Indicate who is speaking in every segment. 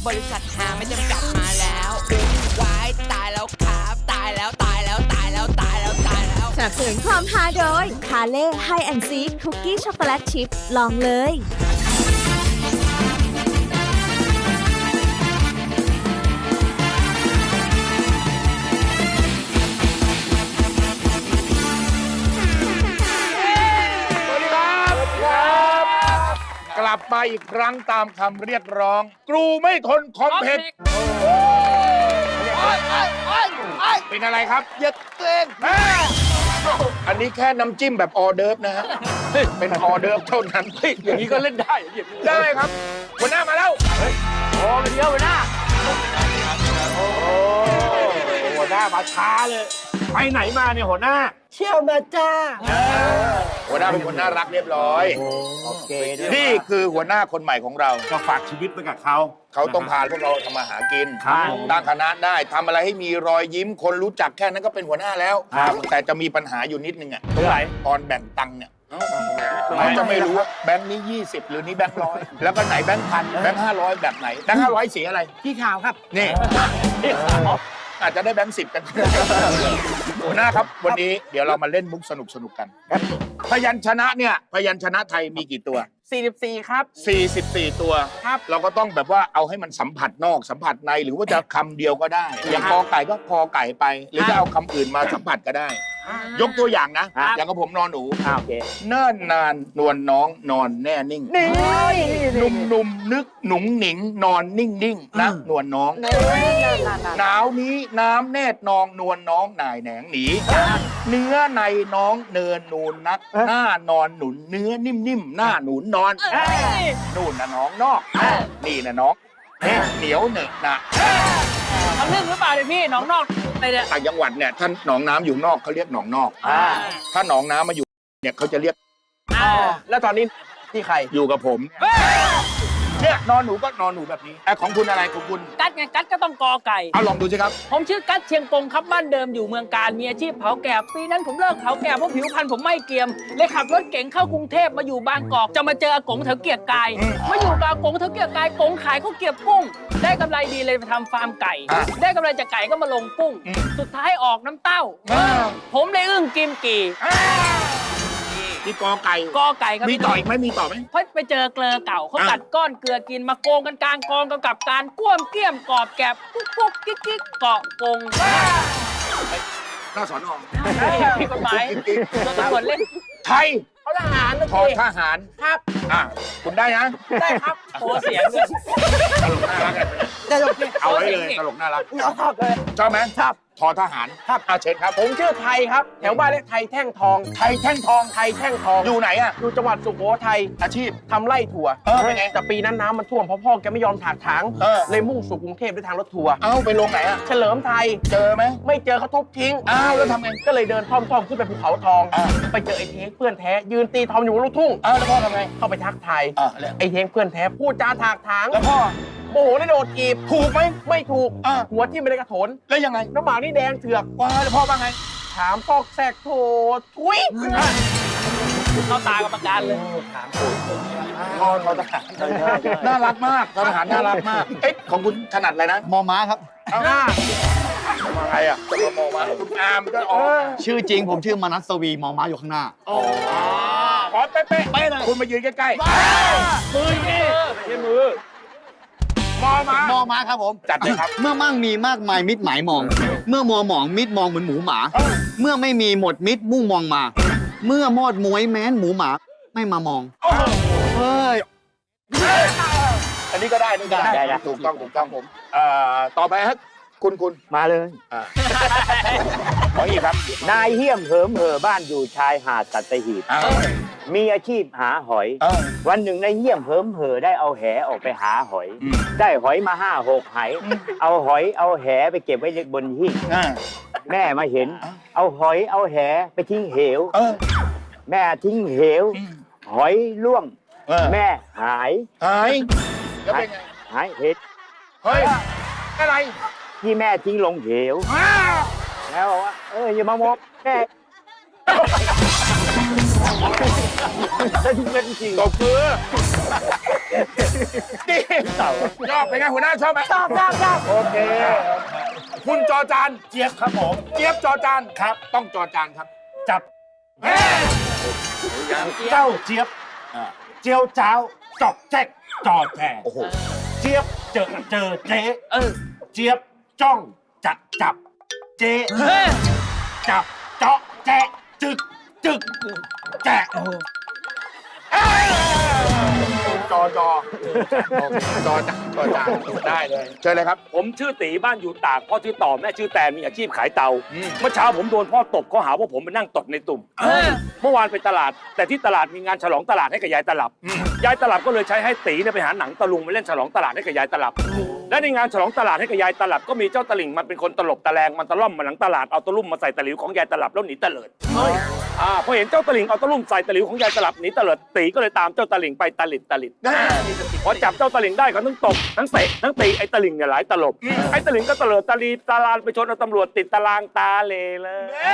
Speaker 1: บริษัทหาไม่จำกัดมาแล้ววายตายแล้วครับตายแล้วตายแล้วตายแล้วตายแล้วตายแล้ว
Speaker 2: สนับสนุนความฮาโดยคาเล่ไฮแอนด์ซีคุกกี้ช็อกโกแลตชิพลองเลย
Speaker 3: กลับมาอีกครั้งตามคำเรียกร้องกรูไม่ทนคอมเพล็กซ์เป็นอะไรครับอย่าเต้นอันนี้แค่น้ำจิ้มแบบออเดิร์ฟนะฮะเป็นออเดิร์ฟเท่านั้นอย่างนี้ก็เล่นได้ได้ครับหัวหน้ามาแล้วโอ้เดี๋ยวหัวหน้าโอ้หัวหน้ามาช้าเลยไปไหนมาเนี่ยหัวหน้า
Speaker 4: เที่ยวมาจ้า
Speaker 3: หัวหน้าเป็นคนน่ารักเรียบร้อย
Speaker 4: โอเค
Speaker 3: นี่คือหัวหน้าคนใหม่ของเรา
Speaker 5: ก็ฝากชีวิตไว้กับเขา
Speaker 3: ต้องพาพวกเราทำมาหากินตั้งคณะได้ทำอะไรให้มีรอยยิ้มคนรู้จักแค่นั้นก็เป็นหัวหน้าแล้วแต่จะมีปัญหาอยู่นิดนึงอ่ะตอนแบ่งตังค์เนี่ยเราจะไม่รู้ว่าแบงค์นี้20หรือนี้แบงค์100แล้วก็ไหนแบงค์พันแบงค์500แบบไหนแบงค์500สีอะไร
Speaker 4: พี่ขาวครับ
Speaker 3: นี่อาจจะได้แบงค์10กันหัวหน้าครับวันนี้เดี๋ยวเรามาเล่นมุกสนุกกันพยัญชนะเนี่ยพยัญชนะไทยมีกี่ตัว
Speaker 4: 44ครับ
Speaker 3: 44ตัว
Speaker 4: ครับ
Speaker 3: เราก็ต้องแบบว่าเอาให้มันสัมผัสนอกสัมผัสในหรือว่าจะคำเดียวก็ได้อย่างกอไก่ก็พอไก่ไปหรือจะเอาคำอื่นมาสัมผัสก็ได้ยกตัวอย่างนะอย่างกับผมนอนหนู
Speaker 4: โอเค
Speaker 3: เนิ่นนานนวลน้องนอนแน่นิ่งนุ่มนึกหนุ่งหนิงนอนนิ่งนะนวลน้องหนาวนี้น้ำแนดนองนวลน้องนายแหนงหนีเนื้อในน้องเนินนูนนักหน้านอนหนุนเนื้อนิ่มๆหน้าหนุนนอนนู่นนะน้องนอกนี่นะน้องเหนียวเหนอะนะ
Speaker 4: ทำเรื่องหรือเปล่าเนี่ยพี่หนองนอกไปเนี่ย
Speaker 3: ต่างจังหวัดเนี่ยท่านหนองน้ำอยู่นอกเขาเรียกหนองนอกถ้าหนองน้ำมาอยู่เนี่ยเขาจะเรียก
Speaker 4: แล้วตอนนี้ที่ใคร
Speaker 3: อยู่กับผมเนี่ยนอนหนูก็นอนหนูแบบนี้ของคุณอะไรของคุณ
Speaker 4: กัดไงกัดก็ต้องกอไก่
Speaker 3: เอาลองดูสิครับ
Speaker 4: ผมชื่อกัดเชียงกงครับบ้านเดิมอยู่เมืองการมีอาชีพเผาแกบปีนั้นผมเลิกเผาแกบเพราะผิวพรรณผมไม่เกรียมเลยขับรถเก๋งเข้ากรุงเทพมาอยู่บางกอกจะมาเจออากงเถาเกียกกายมาอยู่กับอากงเถาเกียกกายกงขายข้าวเกียบกุ้งได้กำไรดีเลยไปทำฟาร์มไก่ได้กำไรจากไก่ก็มาลงกุ้งสุดท้ายออกน้ำเต้าผมเลยอึ้งกิมกี่
Speaker 3: ที่กอไก่
Speaker 4: ครับ
Speaker 3: มีต่ออีกไหมมีต่อไหม
Speaker 4: เพราะไปเจอเกลือเก่าเขากัดก้อนเกลือกินมาโกงกันกลางกองกับการก้วมเกี้ยมกอบแกบกุ๊กกิ๊กเกาะกง
Speaker 3: หน้าสอนอ
Speaker 4: ผิดกฎหมายโดนตำรวจเล่น
Speaker 3: ไทย
Speaker 4: เขาทหาร
Speaker 3: ทอทหาร
Speaker 4: ครับ
Speaker 3: คุณได้นะ
Speaker 4: ได้ครับโอ้เสียงเลย
Speaker 3: ตลกน่ารัก
Speaker 4: ตลก
Speaker 3: เอาไว้เลยตลกน่ารักชอบไหม
Speaker 4: ชอบ
Speaker 3: ทอทหาร
Speaker 4: ครับ
Speaker 3: เชิญครับ
Speaker 4: ผมชื่อไทยครับแถวบ้านเรียกไทยแท่งทอง
Speaker 3: ไทยแท่งทองอยู่ไหนอ่ะ
Speaker 4: อยู่จังหวัดสุโขทัย
Speaker 3: อาชีพ
Speaker 4: ทำไร่ถั่ว
Speaker 3: เป็นไง
Speaker 4: แต่ปีนั้นน้ำมันท่วมเพราะพ่อแกไม่ยอมถากถางเลยมุ่งสู่กรุงเทพด้วยทางรถทัวร์
Speaker 3: ไปลงไหนอ่ะ
Speaker 4: เฉลิมไทย
Speaker 3: เจอไหม
Speaker 4: ไม่เจอเขาทุบทิ้ง
Speaker 3: แล้วทำไง
Speaker 4: ก็เลยเดินท่อมขึ้นไปภูเขาทองไปเจอไอ้เท้งเพื่อนแท้ยืนตีทอมอยู่บนลูกทุ่ง
Speaker 3: แล้วพ่อทำไง
Speaker 4: เข้าไปทักทายไอ้เท้งเพื่อนแท้พูดจาถากถาง
Speaker 3: แล้วพ่อ
Speaker 4: โมโหได้โดดจีบ
Speaker 3: ถูกไหม
Speaker 4: ไม่ถูกหัวที่ไม่ได้กระโถน
Speaker 3: แล้วยังไง
Speaker 4: น้ำหมากนี่แดงเถือก
Speaker 3: แล้วพ่อว่าไง
Speaker 4: ถามซอกแซกโถทุยเข้าตากรรมการเลยถามถูก
Speaker 3: ทอทหารน่ารักมากทหารน่ารักมากของคุณถนัดอะไรนะ
Speaker 5: มอม้าครับ
Speaker 3: ใครอ่ะจะมอม้าคุณอามก็
Speaker 5: ชื่อจริงผมชื่อมนัสวีมอม้าอยู่ข้างหน้า
Speaker 3: ขอเป๊ะเลยคุณมายืนใกล้ๆมือนี่ไม่ใช่มือมอม้า
Speaker 5: ครับผม
Speaker 3: จัดเลยครับ
Speaker 5: เมื่อมั่งมีมากมายมิดหมายมองเมื่อมัวหมองมิดมองเหมือนหมูหมาเมื่อไม่มีหมดมิดมุ่งมองมาเมื่อมอดมวยแม้นหมูหมาไม่มามองเฮ้ย
Speaker 3: อันนี้ก็ได้ถูกต้องผมต่อไปครับคุณ
Speaker 6: มาเลย
Speaker 3: ขออีกครับ
Speaker 6: นายเหี้ยมเหิมเหอบ้านอยู่ชายหาดสัตหีบมีอาชีพหาหอยวันหนึ่งนายเหี้ยมเหิมเหอได้เอาแหออกไปหาหอยได้หอยมา5-6 ไหเอาหอยเอาแหไปเก็บไว้บนหิ้งแม่มาเห็นเอาหอยเอาแหไปทิ้งเหวแม่ทิ้งเหวหอยล่วงแม่หาย
Speaker 3: แล้วเป็นไง
Speaker 6: หายเห็ด
Speaker 3: เฮ้ยอะไร
Speaker 6: ที่แม่ทิ้งลงเหวแล้วบอกว่าอย่ามามองแม่
Speaker 3: ได้ทุกเม็ดจริงตบมือดีชอบเป็นไงหัวหน้าชอบไหมชอบโอเค คุณจอจานเจี๊ยบครับผมเจี๊ยบจอจานครับ ต้องจอจานครับ
Speaker 7: จับ
Speaker 3: เฮ้ย
Speaker 7: เจ้าเจี๊ยบเจียวจ้าวจอกแจ๊กจอแจ
Speaker 3: โอ้โห
Speaker 7: เจี๊ยบเจอเจ๊เจี๊ยบจ้องจะจับเจ๊จับเจาะแจ๊จึกแจ๊
Speaker 3: จอจอโอเคจอจานจอจานได้เลยเชิญเลยครับ
Speaker 8: ผมชื่อตีบ้านอยู่ตากพ่อชื่อต่อแม่ชื่อแตนมีอาชีพขายเตา
Speaker 3: อืม
Speaker 8: เมื่อเช้าผมโดนพ่อตบเขาหาว่าผมไปนั่งตดในตุ่มเมื่อวานไปตลาด แต่ที่ตลาดมีงานฉลองตลาดให้กับยายตลับยายตลับก็เลยใช้ให้ตีเนี่ยไปหาหนังตะลุงมาเล่นฉลองตลาดให้กับยายตลับและในงานฉลองตลาดให้กับยายตลับก็มีเจ้าตะลิ่งมันเป็นคนตลบตะแลงมันตะล่อมมาหลังตลาดเอาตะลุ่มมาใส่ตะหลิวของยายตลับแล้วหนีตะเลิดพอเห็นเจ้าตะลิ่งเอาตะลุ่มใส่ตะหลิวของยายตลับหนีตะเลิดตีก็เลยตามเจ้าตะลิ่งไปตะลิดพอจับเจ้าตะลิ่งได้เขาทั้งตบทั้งเตะทั้งตีไอ้ตะลิ่งเนี่ยหลายตลบไอ้ตะลิ่งก็ตะเลิดตะลีตะลานไปชนเอาตำรวจติดตารางตาเลเลย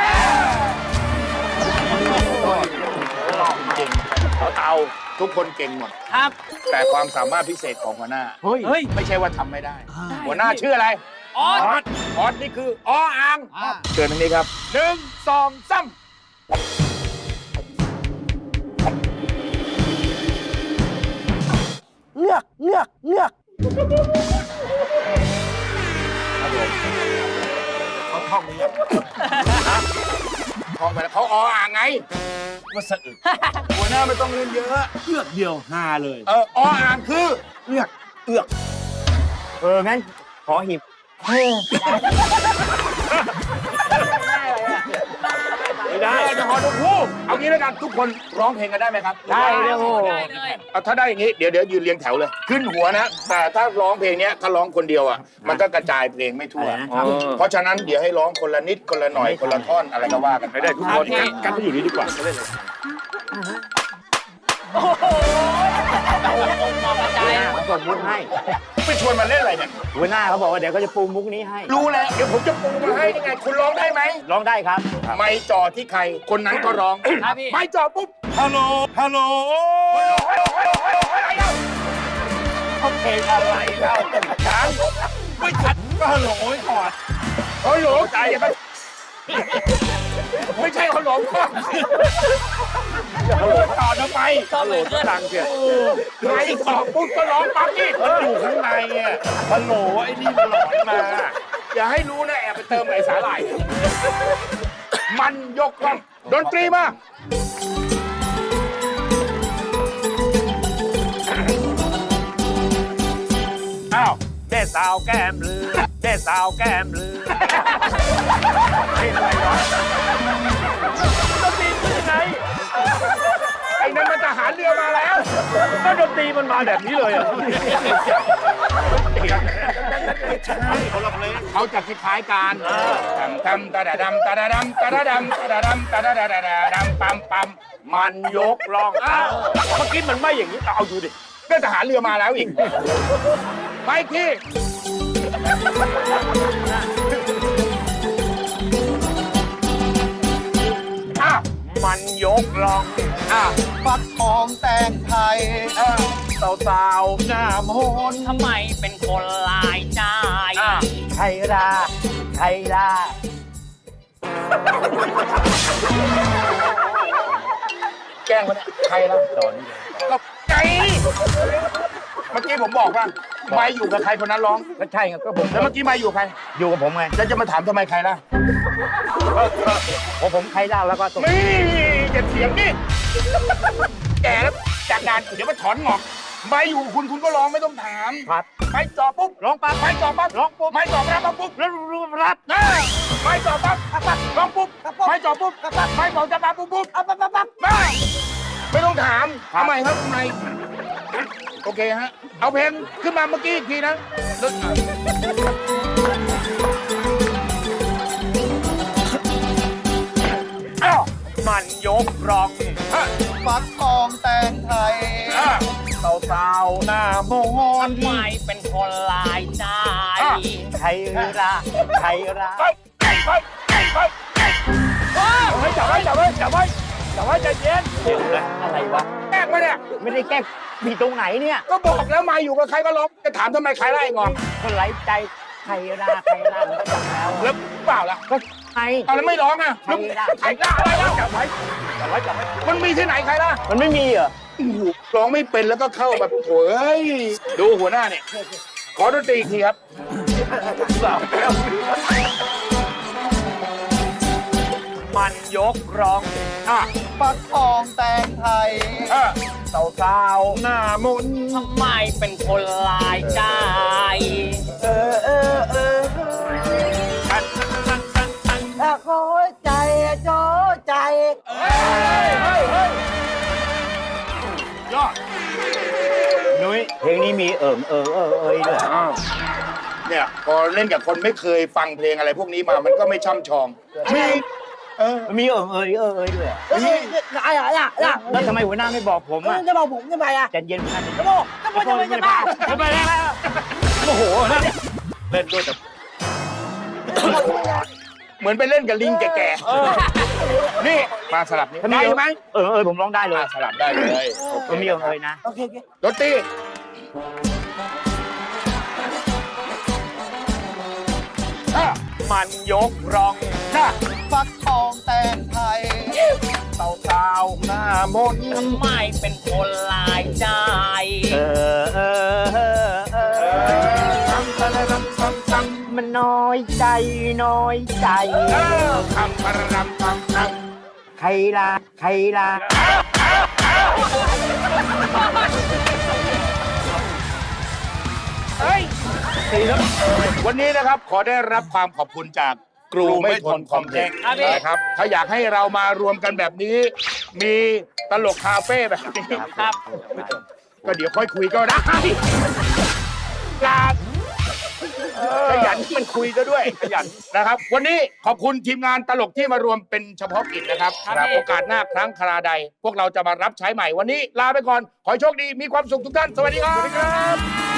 Speaker 3: จริง
Speaker 8: เอา
Speaker 3: ทุกคนเก่งหมด
Speaker 4: ครับ
Speaker 3: แต่ความสามารถพิเศษของหัวหน้า
Speaker 4: เฮ้ย
Speaker 3: ไม่ใช่ว่าทำไม่ได้ หัวหน้าชื่ออะไร
Speaker 4: ออส
Speaker 3: ออสนี่คือออ่างเชิญทางนี้ครับ1 2 3เงือกเขาท่องเงือกท่องไปแล้วเขาออ่างไง
Speaker 7: ว่าสะอึก
Speaker 3: หัวหน้าไม่ต้องเรียนเยอะ
Speaker 7: เลือกเดียวฮาเลย
Speaker 3: ออ่างคือเงือก
Speaker 6: งั้นขอหิบ
Speaker 3: ไม่ได้จะขอทุกคู่เอางี้แล้วกันทุกคนร้องเพลงกันได้ไหมครับ
Speaker 6: ได้เลยโอ้
Speaker 4: ได้เลย
Speaker 3: เอาถ้าได้อย่างนี้เดี๋ยวยืนเรียงแถวเลย ขึ้นหัวนะ แต่ถ้าร้องเพลงเนี้ยถ้าร้องคนเดียวอ่ะมันก็กระจายเพลงไม่ทั่ว เพราะฉะนั้นเดี๋ยวให้ร้องคนละนิดคนละหน่อยคนละท่อนอะไรก็ว่ากัน
Speaker 8: ไม่ได้ทุกคน กันไปอยู่นี่ดีกว่าไม่เล่นเลย
Speaker 4: โอ้โหมองกระจาย
Speaker 6: ผมส่งมุกให้
Speaker 3: ไปชวนมาเล่นอะไรเนี่ย
Speaker 6: หัวหน้าเขาบอกว่าเดี๋ยวเขาจะปูมุกนี้ให้
Speaker 3: รู้แล้วเดี๋ยวผมจะปูมาให้ยังไงคุณร้องได้ไหม
Speaker 6: ร้องได้ครับ
Speaker 3: ไม่จ่อที่ใครคนนั้นก็ร้อง
Speaker 4: ครับพี่
Speaker 3: ไม่จ่อปุ๊บ
Speaker 7: ฮัลโหล ฮัลโหล
Speaker 3: อะไรเล่า
Speaker 7: เขาเพลงอะไรเล่า
Speaker 3: ช้างไม่ขัด
Speaker 7: ก็ฮัลโหลไว้ก่อน
Speaker 3: โอ้โหใจไม่ใช่เขาหลงพ่อเขาหลงต่อทำไม
Speaker 4: ก็เหมือนกัน
Speaker 8: ดังเชียว
Speaker 3: ไม่ต่อปุ๊บก็ร้องปั๊บนี่
Speaker 7: มันอยู่ข้างในอ่ะฮัลโหลไอ้นี่มันหลอนมา
Speaker 3: อย่าให้รู้นะแอบไปเติมไอ้สาหร่ายมันยกล่องดนตรีมา
Speaker 8: อ้าวเจ๊สาวแก้มลือเจ๊สาวแก้มลือเฮ้ยอะไรวะดนตรีคือยังไง
Speaker 3: ไอ้นั่นมันทหารเรือมาแล้ว
Speaker 8: ก็ดนตรีมันมาแบบนี้เลยอ่ะ
Speaker 3: เขาจะคล้ายๆกันทำตาดาดำตาดาดำตาดาดำตาดาดำตาดาดาดาดำปั๊มปั๊มมันยกล่อง
Speaker 8: อ้าวเมื่อกี้มันไม่อย่างนี้เอาดูดิ
Speaker 3: ก็ทหารเรือมาแล้วอีกไปที่อ้าว
Speaker 8: มันยกลอง
Speaker 3: อ้าว
Speaker 5: ฟักทองแตงไทย
Speaker 8: สาวๆหน้ามน
Speaker 4: ทำไมเป็นคนลายใจ
Speaker 6: ไทยราไทยรา
Speaker 3: แกล้งมันยใครล่ะก็ใจเมื่อกี้ผมบอกว่าไม่อยู่กับใครคนนั้นร้อง
Speaker 6: ก็ใช่ครับก็ผม
Speaker 3: แล้วเมื่อกี้ไม่อยู่ใคร
Speaker 6: อยู่กับผมไง
Speaker 3: แล้วจะมาถามทำไมใครล่ะ
Speaker 6: ผมไทยราแล้วก็ตก
Speaker 3: นี่อย่าเถียงนี่แกแล้วจากงานเดี๋ยวมาถอนงอกไม่อยู่คุณก็ร้องไม่ต้องถาม
Speaker 6: ครับ
Speaker 3: ไม่จ่อปุ๊บร้องปั๊บไม่จ่อปั๊บร้องปุ๊บไม่จ่อปั๊บปุ๊บ
Speaker 6: แล้วรับ
Speaker 3: นะไม่จ่อปั๊บร้องปุ๊บไม่จ่อปุ๊บไม่จ่อจะปั๊บปุ๊บปั๊บไม่ต้องถามทำไมครับทำไมโอเคฮะเอาเพลงขึ้นมาเมื่อกี้อีกทีนะ อ้าว
Speaker 8: มันยกรอง
Speaker 5: ฟักทองแตงไทย
Speaker 8: สาวๆหน้ามน
Speaker 4: ทำไมเป็นคนลายใจ
Speaker 6: ไทยราไทยรา
Speaker 3: เฮ้ย
Speaker 8: จับไว้ใจเย็น
Speaker 6: อะไรวะ
Speaker 3: แกล้งมาเนี่ย
Speaker 6: ไม่ได้แกล้งผิดตรงไหนเนี่ย
Speaker 3: ก็บอกแล้วมาอยู่กับใครก็ร้องจะถามทำไมใครไล่งอน
Speaker 6: คนไร้ใจใครล่ามันก็จับแล้ว
Speaker 3: แล้วเปล่าล่ะ
Speaker 6: ก็ใคร
Speaker 3: เอาแล้วไม่ร้องอ่ะ
Speaker 6: ใครล่า
Speaker 3: ใครล่ะอะไรล่ะจับไว้มันมีที่ไหนใครล่ะ
Speaker 6: มันไม่มีเหรอ
Speaker 3: โอ้โหร้องไม่เป็นแล้วก็เข้าแบบโถเอ้ยดูหัวหน้าเนี่ยขอดนตรีอีกทีครับ
Speaker 6: มันยกร้อง
Speaker 3: อ่ะ
Speaker 5: ฟักทองแตงไทย
Speaker 6: สาวๆหน้ามนต์
Speaker 4: ทำไมเป็นคนลายใจ
Speaker 6: ถ้าคอยใจโจใจ
Speaker 3: ยอด
Speaker 6: นุ้ยเพลงนี้มีเอ้ยด้วย
Speaker 3: อ้าวเนี่ยพอเล่นกับคนไม่เคยฟังเพลงอะไรพวกนี้มามันก็ไม่ช่ำชองมี
Speaker 6: มันมีเอ้ยด้วยแล้วทำไมหัวหน้าไม่บอกผมอ่ะ
Speaker 9: จะบอกผมทำไมอ่ะ
Speaker 6: ใจเย็นพัน
Speaker 9: จะบอกจะบ้า
Speaker 8: ไปแล้วโอ้โหเล่นด้วยแต่
Speaker 3: เหมือนไปเล่นกับลิงแก่ๆนี่มาสลับนี่
Speaker 6: ถ้ามี
Speaker 3: ได้ไหม
Speaker 6: ผมร้องได้เลย
Speaker 3: สลับได้เลย
Speaker 6: มันมีเอ้ยนะ
Speaker 9: โอเค
Speaker 3: ดนตรี
Speaker 6: มันยกร้อง
Speaker 5: ฟักทองแตงไทย
Speaker 3: สาวๆหน้ามนต์
Speaker 4: ทำไมเป็นคนลายใจ
Speaker 6: มันน้อยใจ
Speaker 3: คำประรำคำ
Speaker 6: ใครล่ะ
Speaker 3: วันนี้นะครับขอได้รับความขอบคุณจากกรูไม่ทนคอมเพล็กซ์
Speaker 4: ครับพี่
Speaker 3: นะครับถ้าอยากให้เรามารวมกันแบบนี้ มีตลกคาเฟ่แบบนี้
Speaker 4: ครับ
Speaker 3: ก็เดี๋ยวค่อยคุยก็ได้ลาขยันมันคุยซะด้วยขยันนะครับ วันนี้ขอบคุณทีมงานตลกที่มารวมเป็นเฉพาะกิจนะครับ
Speaker 4: ครับพี่
Speaker 3: โอกาสหน้าครั้งคราใด พวกเราจะมารับใช้ใหม่วันนี้ลาไปก่อน ขอให้โชคดีมีความสุขทุกท่านสวัสดีครับ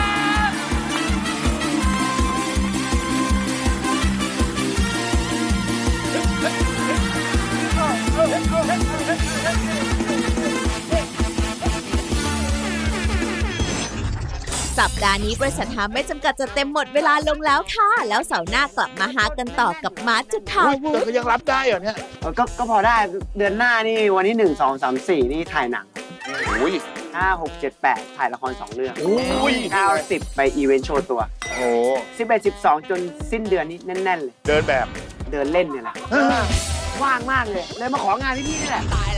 Speaker 2: สัปดาห์นี้บริษัทหาไม่จำกัดจะเต็มหมดเวลาลงแล้วค่ะ แล้วเสาร์หน้ากลับมาหากันต่อกับมาร์ทจุฑา
Speaker 3: อุ๊ย
Speaker 2: วุ
Speaker 3: แต่
Speaker 2: ฒิ
Speaker 3: ก็ยังรับได้เหรอเนี่ย
Speaker 9: ก็พอได้เดือนหน้านี่วันที่1 2 3 4นี่ถ่ายหนัง
Speaker 3: อุ้ย
Speaker 9: 5 6 7 8ถ่ายละคร2 เรื่อง
Speaker 3: อุ้ย
Speaker 9: 9 10ไปอีเวนต์โชว์ตัว
Speaker 3: โอ้
Speaker 9: 11 12 จนสิ้นเดือนนี้แน่นๆเลย
Speaker 3: เดินแบบ
Speaker 9: เดินเล่นเนี่ยแหละว่างมากเลย เลยมาของานพี่ๆนี่แหละ
Speaker 1: ตาย